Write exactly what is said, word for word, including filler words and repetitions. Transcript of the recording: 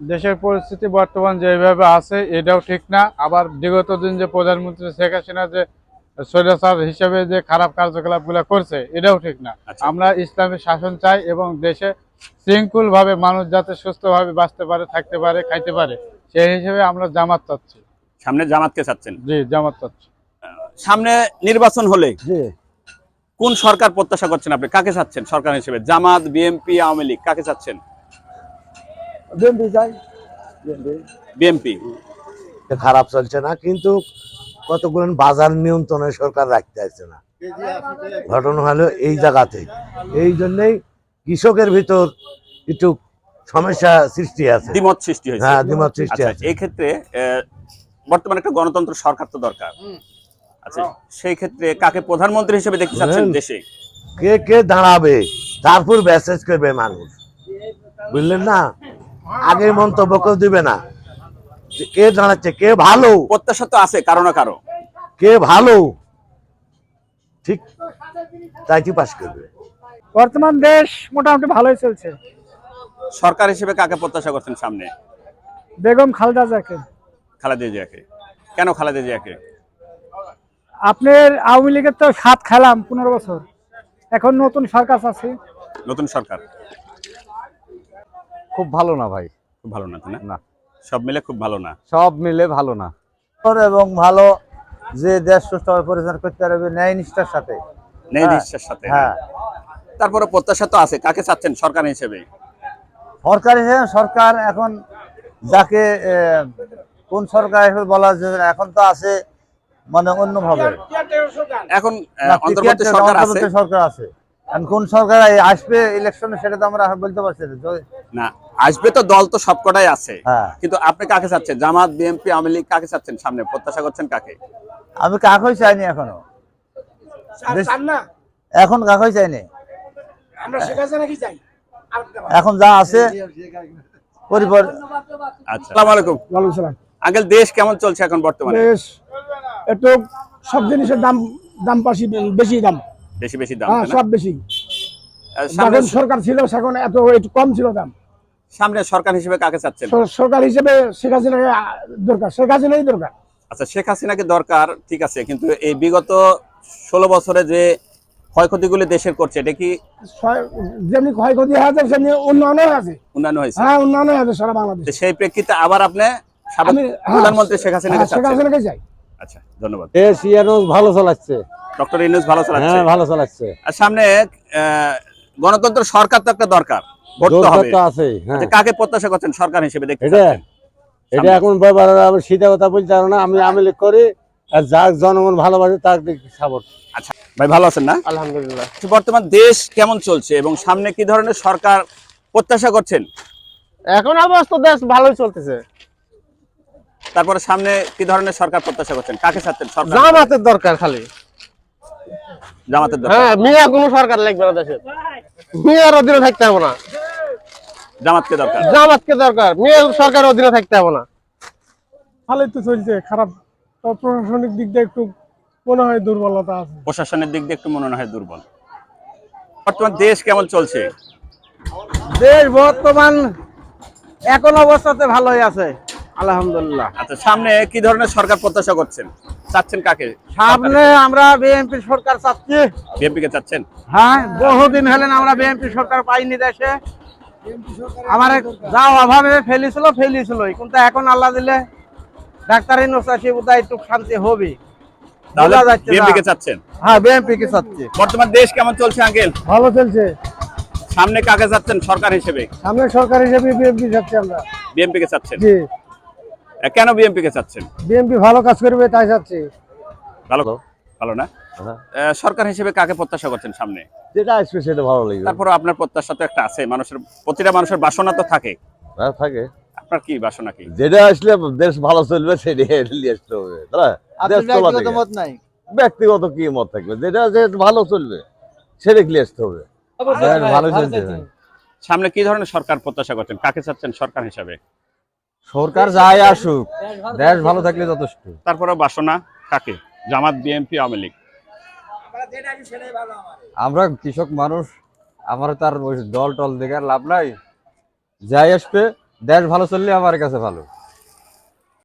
দেশের পরিস্থিতি বর্তমান যেভাবে আছে এটাও ঠিক না, আবার বিগত দিন যে প্রধানমন্ত্রী শেখ হাসিনা যে স্বৈরাচার হিসেবে যে খারাপ কার্যকলাপগুলো করছে এটাও ঠিক না। আচ্ছা। আমরা ইসলামী শাসন চাই এবং দেশে শৃঙ্খল ভাবে মানুষ যাতে সুস্থভাবে বাঁচতে পারে, থাকতে পারে, খাইতে পারে, সেই হিসেবে আমরা জামাত চাচ্ছি। সামনে জামাতকে চাচ্ছেন? জি, জামাত চাচ্ছি। সামনে নির্বাচন হলে জি কোন সরকার প্রত্যাশা করছেন আপনি? কাকে চাচ্ছেন সরকার হিসেবে? জামাত, বিএনপি, আওয়ামী লীগ, কাকে চাচ্ছেন? বিএনপি চাই। বিএনপি। খারাপ চলছে না, কিন্তু কতগুলো বাজার নিয়ন্ত্রণে সরকার রাখতে আসছে না। ঘটনা হলো এই জায়গাতে, এই জন্যই কৃষকের ভিতর একটু সমস্যা সৃষ্টি আছে, দ্বিমত সৃষ্টি হয়েছে। হ্যাঁ দ্বিমত সৃষ্টি আচ্ছা, আছে। এই ক্ষেত্রে আহ, বর্তমানে একটা গণতন্ত্র সরকার তো দরকার। আচ্ছা, সেই ক্ষেত্রে কাকে প্রধানমন্ত্রী হিসেবে দেখতে চাচ্ছেন দেশে? কে কে দাঁড়াবে তারপর মেসেজ করবে মানুষ, বুঝলেন না? আগে মন্তব্য কেউ দিবে না যে কে দাঁড়াচ্ছে, কে ভালো। প্রত্যাশা তো আছে কারো না কারো। কে ভালো ঠিক তাই কি পাস করবে। বর্তমান দেশ মোটামুটি ভালোই চলছে। সরকার হিসেবে কাকে প্রত্যাশা করছেন সামনে? বেগম খালেদা জিয়াকে। খালেদা জিয়াকে। কেন খালেদা জিয়াকে? আপনার আওয়ামী লীগের তো সাত খেলাম পনেরো বছর, এখন নতুন সরকার আছে। নতুন সরকার খুব ভালো না ভাই, খুব ভালো না, তাই না? না, সব মিলে খুব ভালো না। সব মিলে ভালো না। এবং ভালো যে দেশ সুষ্ঠুভাবে পরিচালনা করতে পারবে ন্যায় নিষ্ঠার সাথে। নেই নিশ্চয়ের সাথে। হ্যাঁ, তারপরে প্রত্যাশা তো আছে, কাকে চাচ্ছেন সরকার হিসেবে? সরকার হিসেবে সরকার এখন যাকে আহ, কোন সরকার হিসেবে বলা যায় না, এখন তো আছে মানে অন্যভাবে। এখন আহ, না, অন্তর্বর্তী টিকিট সরকার আছে। অন্তর্বর্তী সরকার আছে, এখন কোন সরকার আসবে ইলেকশনে সেটা তো আমরা বলতে পারছি না। যদি- না, আসবে তো, দল তো সবকটাই আছে। হ্যাঁ, কিন্তু আপনি কাকে চাচ্ছেন? জামাত, বিএনপি, আওয়ামী লীগ, কাকে চাচ্ছেন সামনে? প্রত্যাশা করছেন কাকে? আমি কাকই চাইনি এখনো, এখন কাকই চাইনি। এখন যা আছে পরিবার। আচ্ছা, আসসালামু আলাইকুম। ওয়ালাইকুম সালাম। আঙ্কেল, দেশ কেমন চলছে এখন বর্তমানে? দেশ একটু সব জিনিসের দাম দাম পাশি বেশি দাম, বেশি বেশি দাম, হ্যাঁ তাই না? সব বেশি। আহ, সামনে যখন সরকার ছিল সেখন এত একটু কম ছিল দাম। সামনে সরকার হিসেবে কাকে চাচ্ছেন? স- সরকার হিসেবে শেখ হাসিনাকে আহ, দরকার, শেখ হাসিনাই দরকার। আচ্ছা, শেখ হাসিনাকে দরকার, ঠিক আছে, কিন্তু এই বিগত ষোলো বছরে যে ক্ষয়ক্ষতিগুলি দেশের করছে, এটা কি ছয়- যেমনি ক্ষয়ক্ষতি আছে সেমনি উন্নয়নও আছে। উন্নয়ন হয়েছে? হ্যাঁ উন্নয়নও আছে সারা বাংলাদেশ। তো সেই প্রেক্ষিতে আবার আপনি সাবেক আমি হ্যাঁ, প্রধানমন্ত্রী শেখ হাসিনাকে হ্যাঁ, শেখ চাচ্ছেন? হাসিনাকে চাই। আচ্ছা, ধন্যবাদ। দেশ ইয়ানুস ভালো চালাচ্ছে, ডক্টর ইউনূস ভালো চালাচ্ছে। হ্যাঁ ভালো চালাচ্ছে। আর সামনে আহ, গণতন্ত্র সরকার তো একটা দরকার, ভোট তো দরকার হবে। তো আছে, হ্যাঁ। আচ্ছা, কাকে প্রত্যাশা করছেন সরকার হিসেবে দেখতে এটা চাচ্ছেন? এটা এখন ব্যাপার আমি সিধা কথা বলতে পারবো না। আমি আমেলি করি, আর যার জনগণ ভালোবাসে তার সাপোর্ট। আচ্ছা ভাই, ভালো আছেন না? আলহামদুলিল্লাহ। আচ্ছা, বর্তমান দেশ কেমন চলছে এবং সামনে কি ধরনের সরকার প্রত্যাশা করছেন? এখন অবস্থা দেশ ভালোই চলতেছে। তারপরে সামনে কি ধরনের সরকার প্রত্যাশা করছেন? কাকে চাচ্ছেন সরকার? জামাতের দরকার খালি। জামাতের দরকার। হ্যাঁ, মিয়া কোনো সরকার লাগবে না দেশে, মিয়ার অধীনে থাকতে হবে না। জামাতকে দরকার। জামাতকে দরকার, মিয়ার সরকারের অধীনে থাকতে হবে না। ভালোই তো চলছে, খারাপ তো প্রশাসনিক দিক দিয়ে একটু মনে হয় দুর্বলতা আছে। প্রশাসনের দিক দিয়ে একটু মনে হয় দুর্বল। বর্তমান দেশ কেমন চলছে? দেশ বর্তমান এখন অবস্থাতে ভালোই আছে আলহামদুলিল্লাহ। আচ্ছা, সামনে কি ধরনের সরকার প্রত্যাশা করছেন? চাচ্ছেন কাকে? সামনে আমরা বিএনপি সরকার চাচ্ছি। বিএনপি কে চাচ্ছেন? হ্যাঁ, বহুদিন হলেন আমরা বিএনপি সরকার পাইনি দেশে। আমার যা অভাবে ফেলিছিল ফেলিছিল, কিন্তু এখন আল্লাহ দিলে ডাক্তারি নসাসি বোধহয় একটু শান্তি হবে। তাহলে বোঝা যাচ্ছে না। বিএনপি কে চাচ্ছেন? হ্যাঁ, বিএনপি কে চাচ্ছি। বর্তমান দেশ কেমন চলছে আঙ্কেল? ভালো চলছে। সামনে কাকে চাচ্ছেন সরকার হিসেবে? সামনে সরকার হিসেবে বিএনপি চাচ্ছি আমরা। বিএনপি কে চাচ্ছেন? জি, আহ, কেন বিএনপি কে চাচ্ছেন? বিএনপি ভালো কাজ করবে তাই চাচ্ছি। ভালো ভালো না? হ্যাঁ। আহ, সরকার হিসেবে কাকে প্রত্যাশা করছেন সামনে? যেটা আসবে সেটা ভালো লাগবে। তারপর আপনার প্রত্যাশা তো একটা আছে, মানুষের প্রতিটা মানুষের বাসনা তো থাকে। হ্যাঁ, থাকে। আপনার কি বাসনা কি? যেটা আসলে দেশ ভালো চলবে সেটা নিয়ে আসতে হবে, তাই না? দেশ চলা থেকে। মত নাই। ব্যক্তিগত কি মত থাকবে, যেটা যে ভালো চলবে সেটা নিয়ে আসতে হবে। দেশ ভালো চলছে না। সামনে কি ধরনের সরকার প্রত্যাশা করছেন? কাকে চাচ্ছেন সরকার হিসাবে? সরকার যাই আসুক, দেশ ভালো থাকলে যথেষ্ট। তারপরে বাসনা কাকে? জামাত, বিএনপি, আওয়ামী লীগ? আমরা কৃষক মানুষ, আমার তার ওই দল টল দেখে আর লাভ নাই। যাই আসবে দেশ ভালো চললে আমার কাছে ভালো।